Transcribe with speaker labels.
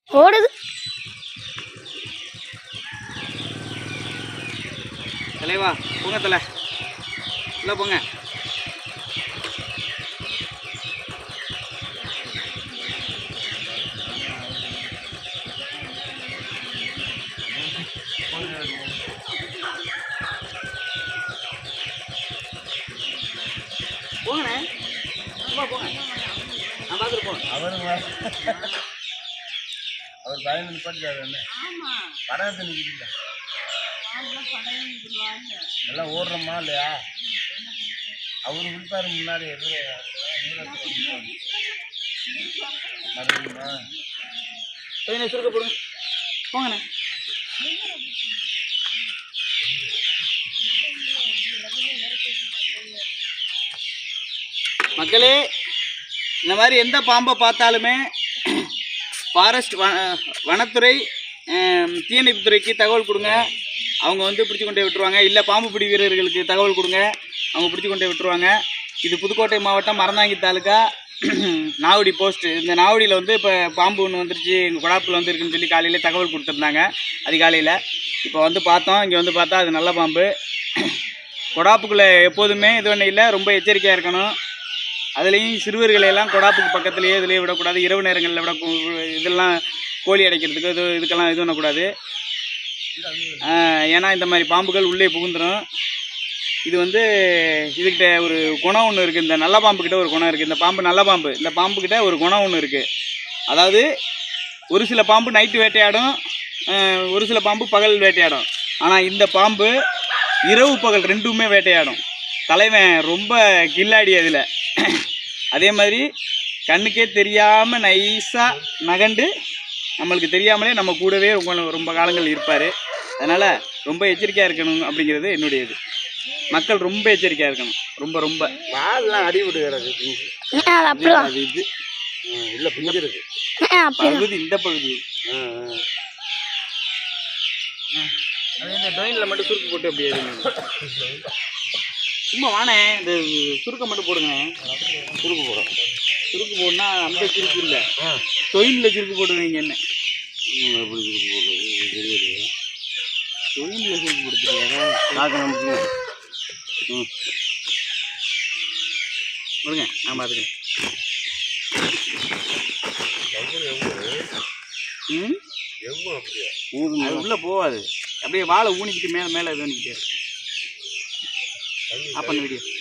Speaker 1: ஓடுது.
Speaker 2: தலைவா போங்க தலை, உள்ள போங்க. போங்கண்ணே, போங்க, நான் பார்த்துட்டு போங்க.
Speaker 3: அவர் பயந்து நிப்பாட்டிக்காரு என்ன படத்தை நிற்கிறீங்க எல்லாம் ஓடுறோமா இல்லையா? அவரு விழுப்பாரு முன்னாடி
Speaker 2: சுருக்க போடுங்க, போங்கண்ணே. மக்களே, இந்த மாதிரி எந்த பாம்பை பார்த்தாலுமே ஃபாரஸ்ட் வனத்துறை தீயணைப்புத்துறைக்கு தகவல் கொடுங்க. அவங்க வந்து பிடிச்சி கொண்டே விட்டுருவாங்க. இல்லை பாம்பு பிடி வீரர்களுக்கு தகவல் கொடுங்க, அவங்க பிடிச்சி கொண்டே விட்டுருவாங்க. இது புதுக்கோட்டை மாவட்டம் மறந்தாங்கி தாலுக்கா நாவடி போஸ்ட்டு. இந்த நாவடியில் வந்து இப்போ பாம்பு ஒன்று வந்துருச்சு, எங்கள் கொடாப்பில் வந்து இருக்குன்னு சொல்லி காலையில் தகவல் கொடுத்துருந்தாங்க அதிகாலையில். இப்போ வந்து பார்த்தோம், இங்கே வந்து பார்த்தா அது நல்ல பாம்பு. கொடாப்புக்குள்ளே எப்போதுமே இது ஒன்றும் இல்லை, ரொம்ப எச்சரிக்கையாக இருக்கணும். அதுலேயும் சிறுவர்களையெல்லாம் கொடாப்புக்கு பக்கத்துலேயே இதுலேயே விடக்கூடாது. இரவு நேரங்களில் இதெல்லாம் கோழி அடைக்கிறதுக்கு இதுக்கெல்லாம் இது பண்ணக்கூடாது. ஏன்னா இந்த மாதிரி பாம்புகள் உள்ளே புகுந்துடும். இது வந்து இதுக்கிட்ட ஒரு குணம் ஒன்று இருக்குது. இந்த நல்ல பாம்புக்கிட்ட ஒரு குணம் இருக்குது. இந்த பாம்பு நல்ல பாம்பு. இந்த பாம்புக்கிட்ட ஒரு குணம் ஒன்று இருக்குது. அதாவது ஒரு சில பாம்பு நைட்டு வேட்டையாடும், ஒரு சில பாம்பு பகல் வேட்டையாடும். ஆனால் இந்த பாம்பு இரவு பகல் ரெண்டுமே வேட்டையாடும். தலைவன் ரொம்ப கில்லாடி அதில். அதே மாதிரி கண்ணுக்கே தெரியாமல் நைஸாக நகண்டு நம்மளுக்கு தெரியாமலே நம்ம கூடவே ரொம்ப காலங்கள் இருப்பார். அதனால் ரொம்ப எச்சரிக்கையாக இருக்கணும் அப்படிங்கிறது என்னுடைய இது. மக்கள் ரொம்ப எச்சரிக்கையாக இருக்கணும். ரொம்ப ரொம்ப
Speaker 3: வாழலாம் அடி விடுகிறது இது இல்லை பிஞ்சிருக்கு
Speaker 2: பகுதி, இந்த பகுதி. அது இந்த டொயினில் மட்டும் சுருக்கு போட்டு அப்படியே சும்மா வானே, இந்த சுருக்கை மட்டும் போடுங்க.
Speaker 3: சுருக்கு போடும்.
Speaker 2: சுருக்கு போடனா அந்த சுருக்கு இல்லை, டொயினில் சுருக்கு போடுவீங்க. என்ன
Speaker 3: எப்படி சுருக்கு போடுறது தெரியாது.
Speaker 2: டொயினில் சுருக்கு போடுறீங்க கொடுங்க, நான் பார்த்துக்கிறேன். அது உள்ளே போகாது, அப்படியே வாழை ஊனிக்கிட்டு மேலே மேலே இது பண்ணிக்கிட்டே. ஆஃப் பண்ண வீடியோ.